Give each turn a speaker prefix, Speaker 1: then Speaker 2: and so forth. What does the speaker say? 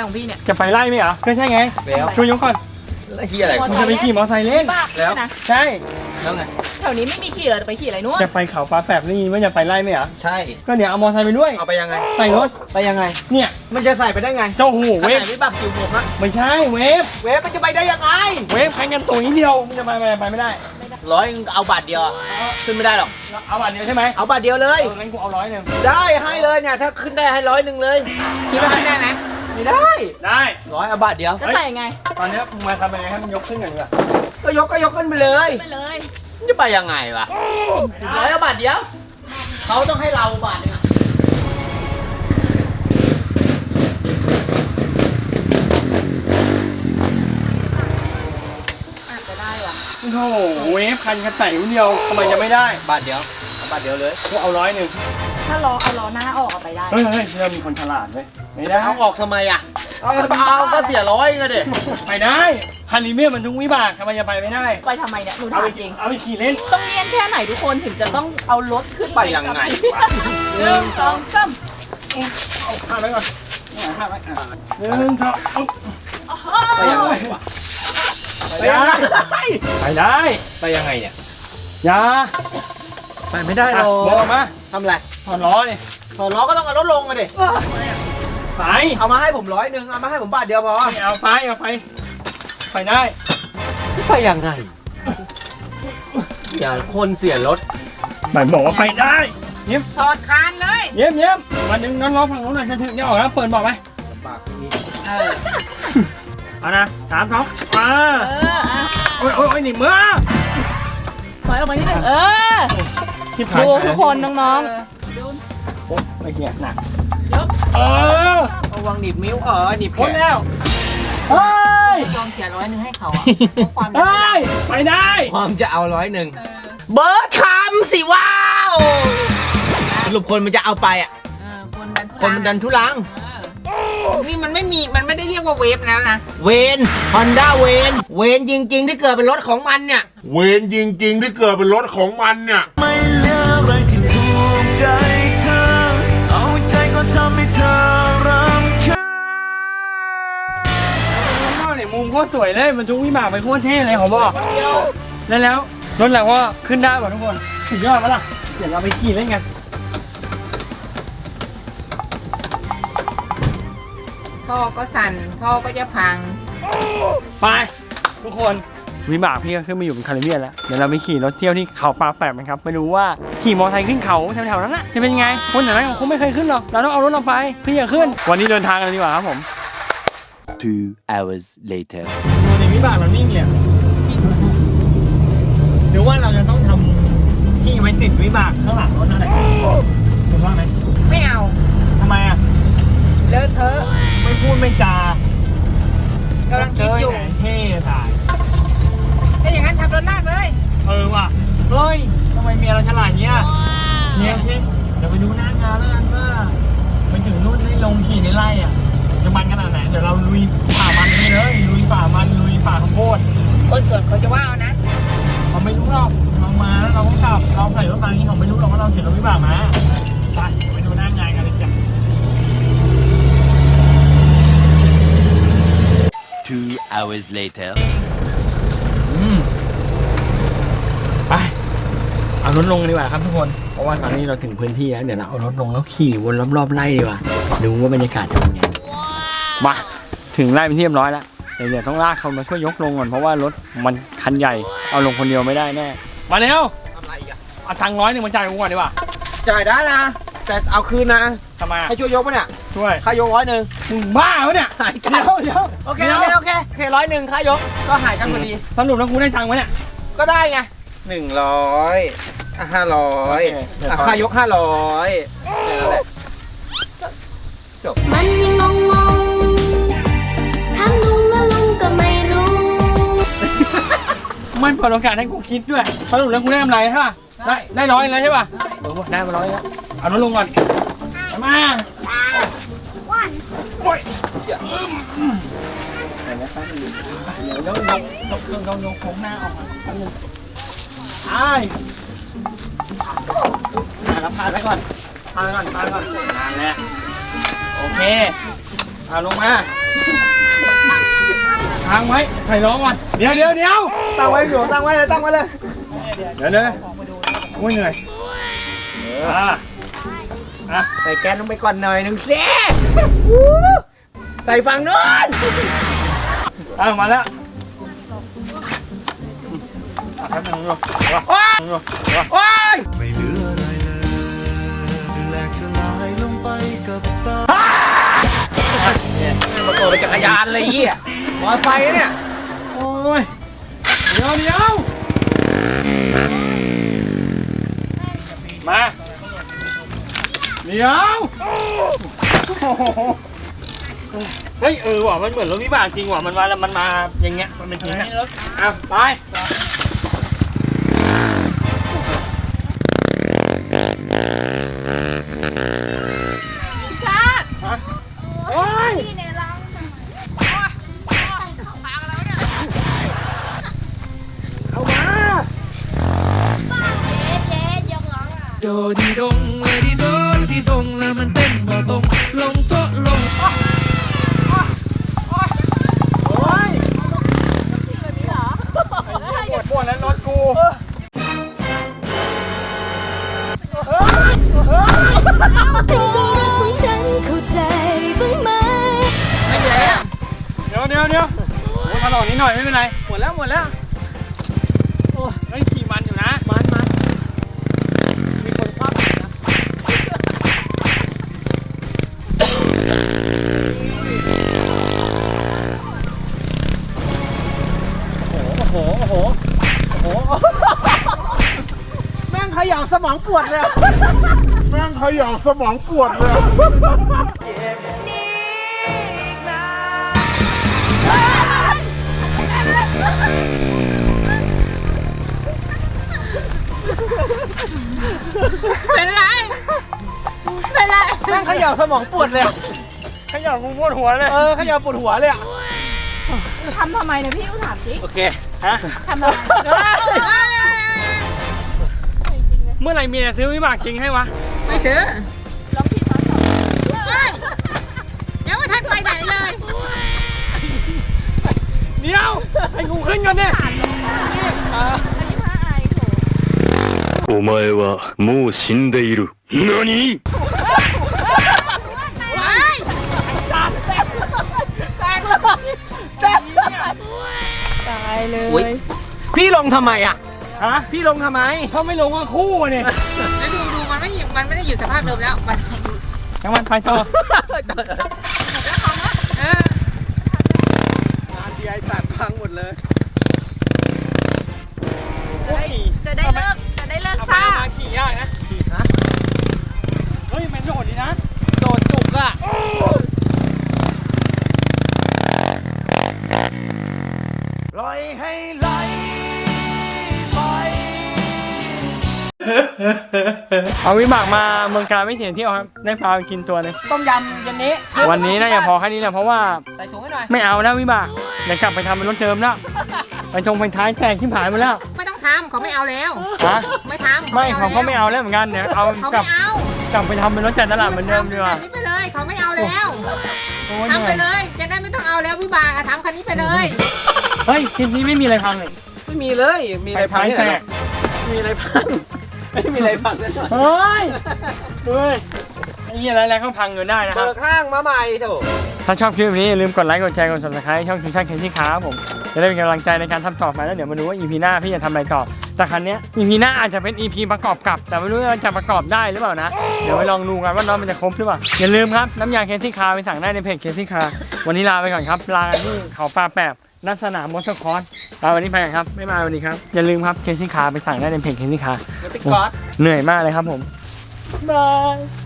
Speaker 1: ของพี่เนี่ย
Speaker 2: จะไปไล่ไหมเหรอก็ใช่ไงช่วยยกก่อน
Speaker 3: แล้วเฮียอะไร
Speaker 2: คุณจะไปขี่มอเตอร์ไซค์เล่น
Speaker 3: แล้ว
Speaker 1: นะ
Speaker 2: ใช่
Speaker 3: แล้วไง
Speaker 1: แถวนี้ไม่มีขี่เลยไปขี่อะไรนู้น
Speaker 2: จะไปเขาปลาแปบนี่ว่าจะไปไล่ไหมเหรอ
Speaker 3: ใช่
Speaker 2: ก็เดี๋ยวเอามอเตอร์ไซค์ไปด้วย
Speaker 3: เอาไปยังไง
Speaker 2: ใส่รถ
Speaker 3: ไปยังไง
Speaker 2: เนี่ย
Speaker 3: มันจะใส่ไปได้ไง
Speaker 2: เจ้าหูเวฟ
Speaker 3: ขนาดวิบากจิ๋วผมอะ
Speaker 2: ไม่ใช่เวฟ
Speaker 3: เวฟมันจะไปได้ยังไง
Speaker 2: เวฟแข่งกันตัวนี้เดียวมันจะไปไม่ได้
Speaker 3: 100เอาบาทเดียวอะขึ้นไม่ได้หรอก
Speaker 2: เอาบาทเดียวใช่ไหม
Speaker 3: เอาบาทเดียวเลย
Speaker 2: งั้นกูเอา100
Speaker 3: ได้ให้เลยเนี่ยถ้าขึ้นได้ให้100เลย
Speaker 1: คิดว่าขึ้นได้ไหม
Speaker 3: ไม่ได้
Speaker 2: ได้
Speaker 3: 100เอาบาทเดียว
Speaker 1: จะใส่ไง
Speaker 2: ตอนนี้มึงมาทำยังไงให้มันยกขึ้นกันดีกว่า
Speaker 3: ก็ยกขึ้นไปเลย
Speaker 1: ไปเลย
Speaker 3: มันจะไปยังไงวะ100เอาบาทเดียวเขาต้องให้เราบาทนึงอะ
Speaker 1: อาจจะได้ว่ะ
Speaker 2: โอ้โหเวฟคันกระใส่คนเดียวทำไมจะไม่ได้
Speaker 3: บาทเดียวเอาบาทเดียวเลย
Speaker 2: กูเอา100
Speaker 1: ถ้าเอาล้อหน้าออกเอาไปได้
Speaker 2: เฮ้ยเรามีคนฉลาดเว้ยไม่
Speaker 3: จะ
Speaker 2: ได้
Speaker 3: ไปเอาออกทำไมอะเอาก็เสีย100ไงเด็ก
Speaker 2: ไปได้ฮันนีเมียมันทุกวิบากทำไมจะไปไม่ได้
Speaker 1: ไปทำไมเนี่ยหนู
Speaker 2: เอา
Speaker 1: ถาม
Speaker 2: ไป
Speaker 1: จริง
Speaker 2: เอาไปขี่เล่น
Speaker 1: ต้องเนียนแค่ไหนทุกคนถึงจะต้องเอารถขึ้น
Speaker 3: ไปยังไง
Speaker 1: 1 2 3
Speaker 2: เอาข้ามไว้ก่อนข้ามไว้1 2เอา
Speaker 3: ไปยังไงวะ
Speaker 2: ไปได้ไปได้
Speaker 3: ไปยังไงเนี่ย
Speaker 2: อย่า
Speaker 3: ไปไม่ได้หร
Speaker 2: อ่ะ
Speaker 3: อก
Speaker 2: บอกมา
Speaker 3: ทำไร
Speaker 2: ถอดล้อดิ
Speaker 3: ถอดล้อก็ต้องเอารถลงมาดิ
Speaker 2: ไป
Speaker 3: เอามาให้ผม100เอามาให้ผมบาทเดียวพอ
Speaker 2: เอาไปได้
Speaker 3: ไปยังไงอย่าคนเสียรถ
Speaker 2: หมายบอกว่าไปได้เยี่ยม
Speaker 1: ถอดคานเลย
Speaker 2: เยี่ยมวันหนึ่งน้องร้องฝั่งนู้นหน่อยจะถึงจะออกแล้วเปิดบอกไหม
Speaker 3: ปากไม่มี
Speaker 2: เอานะ3 2มา โอ้ยหนีมือ
Speaker 1: ถอยออกมานิดนึง
Speaker 2: ที่
Speaker 1: ดูทุกคนน้อง
Speaker 2: โอ้ไม่เกี่ยหนัก
Speaker 1: ๆยก
Speaker 3: ระวังหนีบมิ้วหนีบแข
Speaker 2: พ้น
Speaker 3: น
Speaker 2: แล้วเฮ้ย
Speaker 1: ยอมเสีย100ให้เขาอ่ะความ
Speaker 2: เฮ้ยไปได้
Speaker 3: ความจะเอา100เบิร์ดคำสิว้าวสรุปคนมันจะเอาไปอ่ะ คนมันดันทุลัง
Speaker 1: นี่มันไม่ได้เรียกว่าเวฟแล้วนะ
Speaker 3: เวนฮอนด้าเวนจริง ๆ ที่เกิดเป็นรถของมันเนี่ย
Speaker 4: เวรจริงๆที่เกิดเป็นรถของมันเนี่ย
Speaker 5: ไม่เหลืออะไรที่ถูกใจเธอ เอาใจก็ทำให้เธอรำคาญ
Speaker 2: ข้างนอกเนี่ยมุมโคตรสวยเลยมันทุกวิบากไปโคตรเท่เลยขอบอกแล้วรถเราก็ขึ้นได้หมดทุกคนสุดยอดปะล่ะเดี๋ยวเราไปขี่เล่นกัน
Speaker 1: ท่อก็สั่นท่อก็จะพัง
Speaker 2: ไปทุกคนวิบากพี่ก็ขึ้นมาอยู่บนคาริเบียนแล้วเดี๋ยวเราไปขี่รถเที่ยวที่เขาปลาแปบนะครับไม่รู้ว่าขี่มอเตอร์ไซค์ขึ้นเขาแถวๆนั้นน่ะจะเป็นยังไงคนแถวนั้นคงไม่เคยขึ้นหรอกเราต้องเอารถเราไปเพื่อขึ้นวันนี้เดินทางกันดีกว่าครับผม
Speaker 5: 2 hours later
Speaker 2: ดูในวิบากเรานิ่งเลยหรือว่าเราจะต้องทำที่ไว้ติดวิบากข้างหลังรถนั่นแหละคุณว่าไหม
Speaker 1: ไม่เอา
Speaker 2: ทำไมอ่ะ
Speaker 1: เลอะเทอะ
Speaker 2: ไม่พูดไม่จาก
Speaker 1: ำลังคิดอยู่
Speaker 2: เท่ตาย
Speaker 1: ถ้าอย่างนั้นทำรถลากเลย
Speaker 2: ว่ะเฮ้ยทำไมเมียเราฉลาดเงี้ยเนี่ยสิเดี๋ยวไปดูหน้างานแล้วกันว่าไปถึงนู่นได้ลงขี่ในไร่อ่ะจะมันขนาดไหนเดี๋ยวเราลุยป่ามันไปเลยลุยป่ามันลุยป่าข้าวโพด
Speaker 1: คนส่วนเขาจะว่าเอานะ
Speaker 2: เขาไม่รู้หรอกเรามาแล้วเราก็กลับเราใส่รถมาอย่างนี้เขาไม่รู้หรอกว่าเราเขียนรถวิบากมาไปดูหน้างานกันเลยจ้ะ
Speaker 5: 2 hours later
Speaker 2: ไปเอารถลงกันดีกว่าครับทุกคนเพราะว่าตอนนี้เราถึงพื้นที่แล้วเดี๋ยวเราเอารถลงแล้วขี่วนรอบๆไร่ดีกว่าดูว่าบรรยากาศจะเป็นไงมาถึงไร่เป็นที่เรียบร้อยแล้วเดี๋ยวต้องลากเขามาช่วยยกลงก่อนเพราะว่ารถมันคันใหญ่เอาลงคนเดียวไม่ได้แน่มาเร็ว
Speaker 3: ทำไรอีกอะ
Speaker 2: เอาตังค์100มาจ่ายกูก่อนดีกว่า
Speaker 3: จ่ายได้นะ แต่เอาคืนนะ
Speaker 2: ทำไม
Speaker 3: ให้ช่วยยกปะเนี่ย
Speaker 2: ช่วย
Speaker 3: ค่ายก100
Speaker 2: มึงบ้าปะเนี่ย
Speaker 3: หายกัน
Speaker 2: เดี๋ยว
Speaker 3: โอเค100ค่ายกก็หายกันพอดี
Speaker 2: สรุปแล้วกูได้ตังค์ไหมเนี่ย
Speaker 3: ก็ได้ไง100 500ค่ายก500แค่นั้นแหละ
Speaker 6: มันยังงงถามลุงแล้วลุงก็ไม่รู้
Speaker 2: มันเปิดโอกาสให้กูคิดด้วยสรุปแล้วกูได้กำไรใช่ป่ะได้100แล้วใช่ป่ะได้มา100แล้วเอารถลงก่อนมาโอ้ยเดี๋ยวต้องยกโค้งหน้าออกมาแล้วพาไปก่อนนั่นแหละโอเคเอาลงมาทางไว้ใส่ล้อก่อนเดี๋ยว
Speaker 3: ตั้งไว้อยู่ตั้งไว้เลยตั้งไว้เลย
Speaker 2: เดี๋ยวโอ้ยเหนื่อย
Speaker 3: ใส่แก๊สลงไปก่อนหน่อยหนึงสิใส่ฝั่งนู้น
Speaker 2: มาแล้ว
Speaker 3: โอ๊ยโอ๊ย
Speaker 5: ไม่เหลืออะไรเลยแหลกสลายลงไปกับตา
Speaker 3: ประกอบจักรยานเลยเหี้ยมอเตอร์ไซค์เนี่ย
Speaker 2: โอ้ยเดี๋ยวมาเดี๋ยวเฮ้ยว่ะมันเหมือนรถวิบากจริงว่ะมันมาแล้วมันมาอย่างเงี้ยมันเป็นจริงนะไปโอ้ย
Speaker 6: พี่เนี่ยร้อง
Speaker 2: เอามา
Speaker 6: เจ๊ยกร้องอ่ะ
Speaker 5: โดดีดงเลยดีโดดีดงแล้วมันเต้นบ่ตรงลงโต๊ะลง
Speaker 2: โอ้ยปวดแล้วรถกู
Speaker 6: เป็นตัวรักของฉันเข้าใจบ้างไหม
Speaker 1: ไม่เหลือแล้ว
Speaker 2: เดี๋ยวโอ้ถลอกนิดหน่อยไม่เป็นไร
Speaker 3: หมดแล้ว
Speaker 2: โอ้ยขี่มันอยู่นะ
Speaker 3: มีคนคว้าไปนะ
Speaker 2: โอ้โห
Speaker 3: แม่งขยับสมองปวดเลย
Speaker 4: แม่งเขย่าสมองปวดเลย
Speaker 1: เป็นไร เป็นไร
Speaker 3: แม่งขยับสมองปวดเลย
Speaker 2: ขยับกูปวดหัวเลย
Speaker 3: ขยับปวดหัวเลยอ่ะ
Speaker 7: ทำทำไมเนี่ยพี่อู๋ถามสิ
Speaker 3: โอเค
Speaker 2: ฮะ
Speaker 7: ทำทำไม
Speaker 2: เมื่อไหร่เมียจะซื้อวิบากจริงให้วะ
Speaker 1: ไม่ซื้อ
Speaker 7: ลองผิดมาสอง
Speaker 1: เฮ้ยยังไม่ทันไปไหนเลย
Speaker 2: เดี๋ยวให้กูขึ้นก่อนเนี่ย
Speaker 7: อันนี้ผ้าอายโถ
Speaker 5: お前はもう死んでいる何
Speaker 1: ไป
Speaker 7: ตายเล
Speaker 3: อุ๊ย
Speaker 7: ย
Speaker 3: พี่ลงทำไมอ่ะ
Speaker 2: ฮะ
Speaker 3: พี่ลงทำไม
Speaker 2: เขาไม่ลงว่าคู่เนี่ย
Speaker 1: แล้วดูมันไม่ได้อยู่สภาพเดิมแล้วมันอยู่
Speaker 2: ทั้งวันไปต่อ
Speaker 1: เออง
Speaker 3: านทีไอสัตว์พังหมดเลย
Speaker 7: จะได้เลิก
Speaker 2: เอา
Speaker 7: ซ่า
Speaker 2: มาขี่ยากนะเฮ้ยมันโดดดีนะ
Speaker 3: โดดจุกอ่ะ
Speaker 5: ปล่อยให้ไหลไป
Speaker 2: เอาวิบากมาเมืองการไม่เสียเที่ยวครับ ได้พาไปกินตัวหนึง
Speaker 3: ต้มยำเย็นนี้
Speaker 2: วันนี้น่าจะพอแค่นี้แหละเพราะว่า
Speaker 3: ใส่ถุงให้หน่อย
Speaker 2: ไม่เอาแล้ววิบากเดี๋ยวกลับไปทำเป็นรถเดิมแล้วไปท้ายแตกที่ผายหมดแล้ว
Speaker 1: ไม่ต้องทำเขาไม่เอาแล้ว
Speaker 2: ฮะ
Speaker 1: ไม่ทำ
Speaker 2: ไม่เขาก็ไม่เอาแล้วเหมือนกันเดี๋ยวเอา
Speaker 1: เขา
Speaker 2: กลั
Speaker 1: ไม่
Speaker 2: บ
Speaker 1: เอา
Speaker 2: กลับไปทำเป็นรถจัดตลาดเหมือนเดิมดีกว่า
Speaker 1: ทำแบบนี้ไปเลยเขาไม่เอาแล้ว
Speaker 2: โอ้ย
Speaker 1: ทำไปเลยจะได้ไม่ต้องเอาแล้วพี่บากอะทำคันนี้ไปเลย
Speaker 2: เฮ้ยคลิปนี้ไม่มีอะไรพังเลย
Speaker 3: ไม่มีเลย มีอะไรพังที่ไหนหรอกมีอะไรพัง ไม่มีอะไรพังเลยหน่อย
Speaker 2: เฮ้ยไอ้เหี้ยอะไรๆก็พังอยู่ได้นะค
Speaker 3: เบิ
Speaker 2: รับ
Speaker 3: กข้างมาใหม่โถ
Speaker 2: ถ้าชอบคลิปนี้อย่าลืมกดไลค์กดแชร์กด subscribe ช่องคิวชั่นเคซี่ครับผมจะได้เป็นกำลังใจในการทำต่อไปแล้วเดี๋ยวมาดูว่า EP หน้าพี่จะทำอะไรต่อแต่ครั้งนี้ย EP หน้าอาจจะเป็น EP ประกอบกับแต่ไม่รู้ว่าจะประกอบได้หรือเปล่านะเดี๋ยวไปลองดูกันว่าน้องมันจะครบหรือเปล่าอย่าลืมครับน้ำยาเคซี่คาร์ไปสั่งได้ในเพจเคซี่คาร์วันนี้ลาไปก่อนครับลากันที่เขาปลาแปบนัดสนามมอเตอร์คอร์สวันนี้ไปกันครับไม่มาวันนี้ครับอย่าลืมครับเคซี่คาร์ไปสั่งได้ในเพจเคซี่คาร์
Speaker 3: มันติดก๊อต
Speaker 2: เหนื่อยมากเลยครับผมบาย